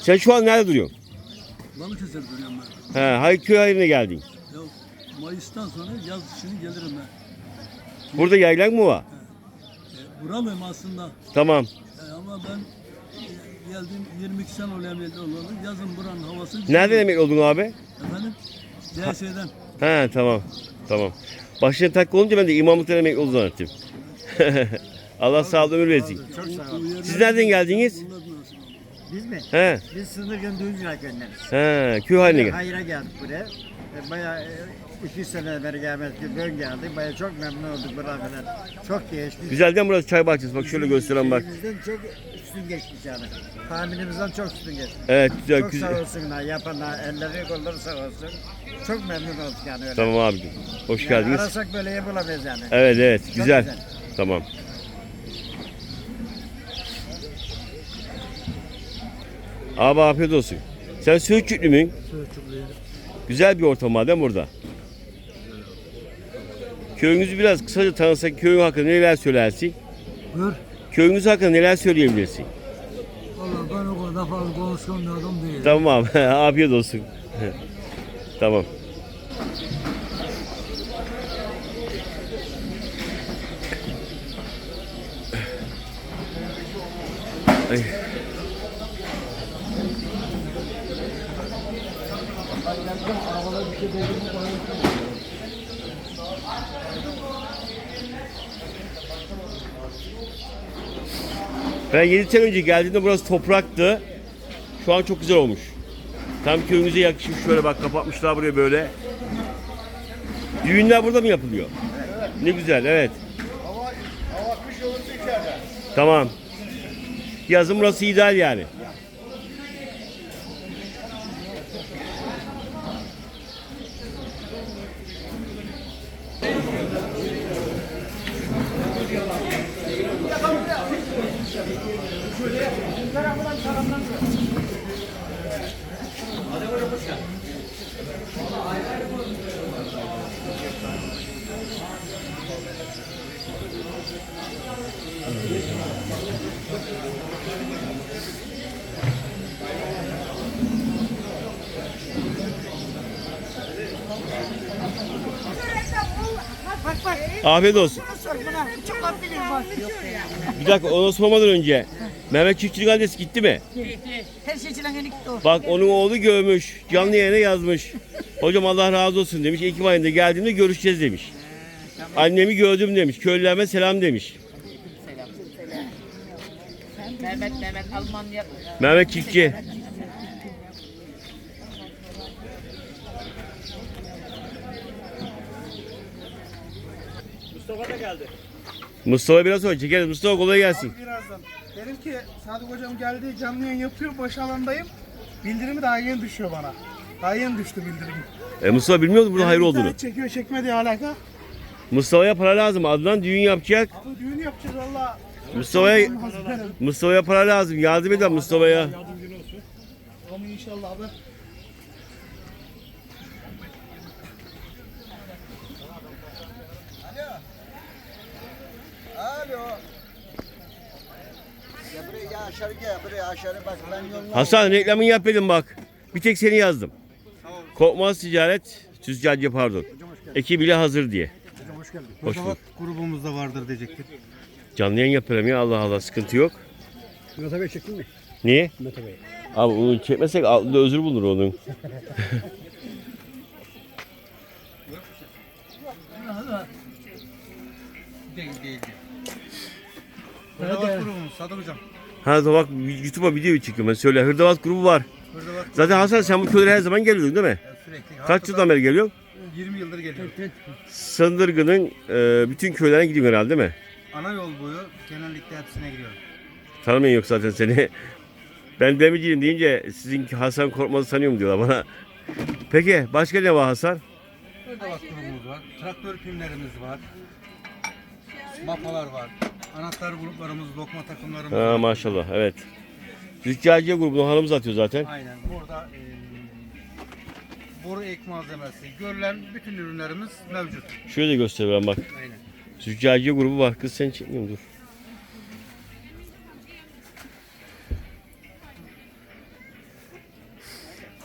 Sen şu an nerede duruyorsun? Balıkesir duruyorum ben. Hangi köy haline geldin? Ya Mayıs'tan sonra yaz için gelirim ben. Burada yaylan mı var? Buralıyım aslında. Tamam. Ama ben geldim 22 sene oluyor emekli olalı. Yazın buranın havası. Nereden emekli oldun abi? Efendim? CS'den. Tamam. Tamam. Başına tak olunca ben de imamlıktan emekli oldum zannettim. Allah sağlık ömür versin. Çok sağ ol. Siz nereden geldiniz? Biz mi? He. Biz Sındırgın Düğüncüler Köyü'ndeniz. Köy haline gel. Hayır'a geldik buraya. Bayağı 2 sene beri gelmedik. Bugün geldik. Bayağı çok memnun olduk buradan falan. Çok değişti. Güzelden burası çay bahçesi. Bak şöyle gösteren bak. Bizden çok üstün geçmiş yani. Tahminimizden çok üstün geçmiş. Evet güzel. Çok sağ olsunlar yapanlar, elleri kolları sağ olsun. Çok memnun olduk yani öyle. Tamam abicim. Hoş Yani geldiniz. arasak böyle yapılamayız yani. Evet Çok güzel. Tamam. Abi afiyet olsun. Sen Söğütçüklü müyün? Söğütçüklüyüm. Güzel bir ortam var değil mi burada? Köyünüzü biraz kısaca tanısak, köyün hakkında neler söylersin? Buyur. Köyünüz hakkında neler söyleyebilirsin? Valla ben o kadar fazla konuşkan bir adam değilim. Tamam abi, afiyet olsun. Tamam. Ay. Ben 7 sene önce geldiğimde burası topraktı. Şu an çok güzel olmuş. Tam köyümüze yakışmış. Şöyle bak kapatmışlar buraya böyle. Düğünler burada mı yapılıyor? Evet. Ne güzel, evet. Hava kış olursa içeride. Tamam. Yazın burası ideal yani. Afiyet olsun. Bir dakika onu sormadan önce Mehmet Çiftçi'nin adresi gitti mi? Her şey için gitti o. Bak onun oğlu görmüş. Canlı yayına yazmış. Hocam Allah razı olsun demiş. Ekim ayında geldiğimde görüşeceğiz demiş. Annemi gördüm demiş. Köylülerime selam demiş. Mehmet Almanya. Mehmet Çiftçi. Mustafa da geldi. Mustafa biraz sonra çekeriz. Mustafa kolay gelsin. Birazdan. Dedim ki Sadık hocam geldi canlı yayın yapıyor baş alandayım. Bildirimi daha yeni düşüyor bana. Daha yeni düştü bildirim. Mustafa bilmiyordu burada hayır olduğunu. İnternet çekiyor çekmediği alaka. Mustafa'ya para lazım. Adnan düğün yapacak. Abi düğün yapacağız valla. Mustafa'ya para lazım. Yardım edin Mustafa'ya. Ama inşallah abi. Alo. Ya buraya aşağı gel buraya aşağı bak ben yoluna. Hasan reklamını yap dedim bak. Bir tek seni yazdım. Korkmaz Ticaret, Tüzcacı pardon. Ekibiyle hazır diye. Hoş geldin. Hoş bulduk. Grubumuzda vardır diyecektim. Canlı yayın yapıyorum ya Allah Allah sıkıntı yok. Mete Bey çektin mi? Niye? Mete Bey. Abi onu çekmesek altında özür bulunur onun. Hırdavat grubumuz Sadık hocam. Ha da bak YouTube'a video çekiyorum ben söyle. Hırdavat grubu var. Zaten Hasan sen bu köylere her zaman geliyordun değil mi? Sürekli. Kaç yıldan beri geliyorsun? 20 yıldır geliyor. Sındırgı'nın bütün köylerine gidiyorsun herhalde değil mi? Ana yol boyu genellikle hepsine gidiyorum. Tanımayan yok zaten seni. Ben demirciyim deyince sizinki Hasan Korkmaz'ı sanıyorum diyorlar bana. Peki başka ne var Hasan? Hırdavat grubumuz var. Traktör pimlerimiz var. Mapalar var. Anahtar gruplarımız, lokma takımlarımız Ha, var. maşallah evet. Züccaciye grubunu hanımız atıyor zaten. Aynen. Burada boru ek malzemesi, görülen bütün ürünlerimiz mevcut. Şöyle göstereyim bak. Aynen. Züccaciye grubu var. Kız sen çekmiyorum dur.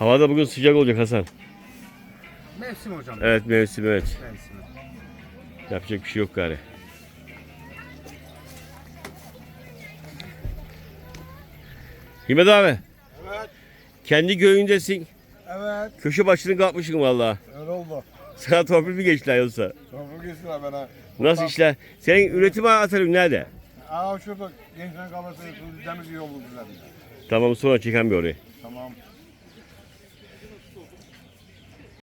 Hava da bugün sıcak olacak Hasan. Mevsim hocam. Evet mevsim evet. Mevsim. Yapacak bir şey yok gari. Himmet abi. Evet. Kendi göğündesin. Evet. Köşe başını kapmışsın vallahi. Öyle oldu. Sana torpil mi geçtiler yoksa? Çok geçtiler bana. Nasıl işler? Senin üretim atarın nerede? Aa şurada gençler kalası demir yolu düzenli. Tamam sonra çeken bir orayı. Tamam.